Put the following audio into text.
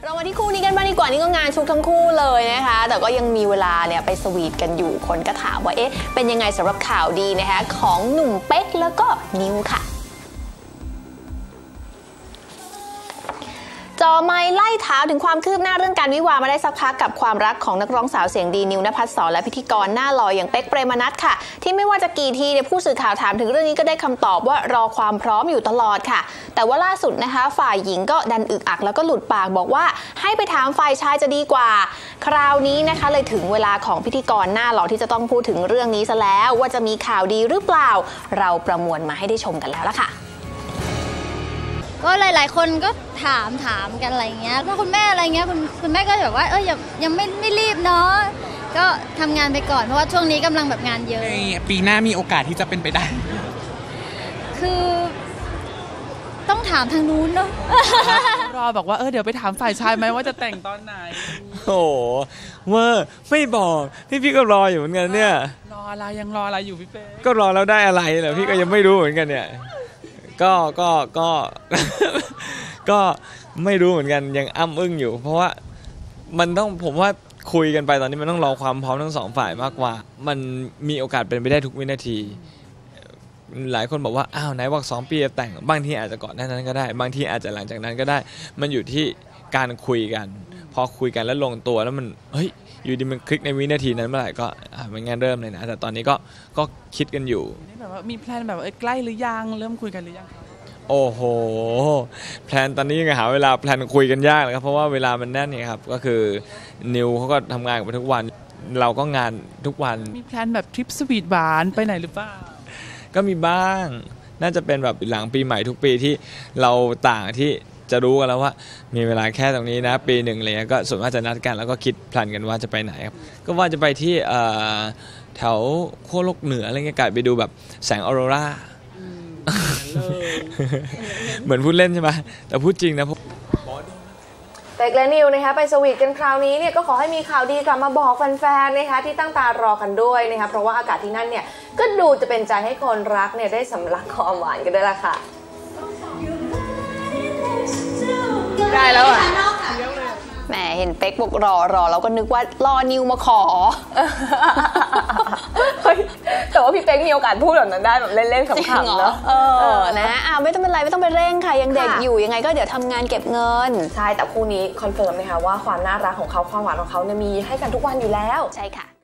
เรามาที่คู่นี้กันบ้างดีกว่านี่ก็งานชุกทั้งคู่เลยนะคะแต่ก็ยังมีเวลาเนี่ยไปสวีทกันอยู่คนก็ถามว่าเอ๊ะเป็นยังไงสำหรับข่าวดีนะคะของหนุ่มเป๊กแล้วก็นิวค่ะจอไมค์ไล่ถามถึงความคืบหน้าเรื่องการวิวาห์มาได้สักพักกับความรักของนักร้องสาวเสียงดีนิวนภัสสรและพิธีกรหน้าหล่ออย่างเป๊กเปรมนัสค่ะที่ไม่ว่าจะกี่ทีเนี่ยผู้สื่อข่าวถามถึงเรื่องนี้ก็ได้คำตอบว่ารอความพร้อมอยู่ตลอดค่ะแต่ว่าล่าสุดนะคะฝ่ายหญิงก็ดันอึกอักแล้วก็หลุดปากบอกว่าให้ไปถามฝ่ายชายจะดีกว่าคราวนี้นะคะเลยถึงเวลาของพิธีกรหน้าหล่อที่จะต้องพูดถึงเรื่องนี้ซะแล้วว่าจะมีข่าวดีหรือเปล่าเราประมวลมาให้ได้ชมกันแล้วล่ะค่ะก็หลายๆคนก็ถามกันอะไรเงี้ยถ้าคุณแม่อะไรเงี้ยคุณแม่ก็แบบว่ายังไม่รีบเนาะก็ทำงานไปก่อนเพราะว่าช่วงนี้กำลังแบบงานเยอะปีหน้ามีโอกาสที่จะเป็นไปได้คือต้องถามทางนู้นเนาะรอบอกว่าเดี๋ยวไปถามฝ่ายชายไหมว่าจะแต่งตอนไหนโอ้ว่าไม่บอกพี่ก็รออยู่เหมือนกันเนี่ยรออะไรยังรออะไรอยู่พี่เป้ก็รอแล้วได้อะไรเหรอพี่ก็ยังไม่รู้เหมือนกันเนี่ยก็ไม่รู้เหมือนกันยังอ้ำอึ้งอยู่เพราะว่ามันต้องผมว่าคุยกันไปตอนนี้มันต้องรอความพร้อมทั้งสองฝ่ายมากกว่ามันมีโอกาสเป็นไปได้ทุกวินาทีหลายคนบอกว่าอ้าวไหนบอก2 ปีจะแต่งบางทีอาจจะก่อนหน้านั้นก็ได้บางทีอาจจะหลังจากนั้นก็ได้มันอยู่ที่การคุยกันพอคุยกันแล้วลงตัวแล้วมันอยู่ดีมันคลิกในวินาทีนั้นเมื่อไหร่ก็มันงานเริ่มเลยนะแต่ตอนนี้ก็คิดกันอยู่แบบว่ามีแพลนแบบใกล้หรือยังเริ่มคุยกันหรือยังโอ้โหแพลนตอนนี้ยังหาเวลาแพลนคุยกันยากเลยครับเพราะว่าเวลามันแน่นเนี่ยครับก็คือนิวเขาก็ทำงานกันทุกวันเราก็งานทุกวันมีแพลนแบบทริปสวีทหวานไปไหนหรือเปล่าก็มีบ้างน่าจะเป็นแบบหลังปีใหม่ทุกปีที่เราต่างที่จะรู้กันแล้วว่ามีเวลาแค่ตรงนี้นะปีหนึ่งอะไรเงี้ยก็ส่วนมากจะนัดกันแล้วก็คิดแพลนกันว่าจะไปไหนครับก็ว่าจะไปที่แถวขั้วโลกเหนืออะไรเงี้ยไปดูแบบแสงออโรราเหมือนพูดเล่นใช่ไหมแต่พูดจริงนะเป๊กและนิวนะคะไปสวีทกันคราวนี้เนี่ยก็ขอให้มีข่าวดีกลับมาบอกแฟนๆนะคะที่ตั้งตารอกันด้วยนะคะเพราะว่าอากาศที่นั่นเนี่ยก็ดูจะเป็นใจให้คนรักเนี่ยได้สำลักความหวานกันด้วยล่ะค่ะได้แล้วอ่ะแหมเห็นเป๊กบอกรอแล้วก็นึกว่ารอนิวมาขอแต่ว่าพี่เป๊กมีโอกาสพูดแบบนั้นได้แบบเล่นๆขำๆเนาะนะไม่ต้องเป็นไรไม่ต้องไปเร่งค่ะยังเด็กอยู่ยังไงก็เดี๋ยวทำงานเก็บเงินใช่แต่คู่นี้คอนเฟิร์มนะคะว่าความน่ารักของเขาความหวานของเขาเนี่ยมีให้กันทุกวันอยู่แล้วใช่ค่ะ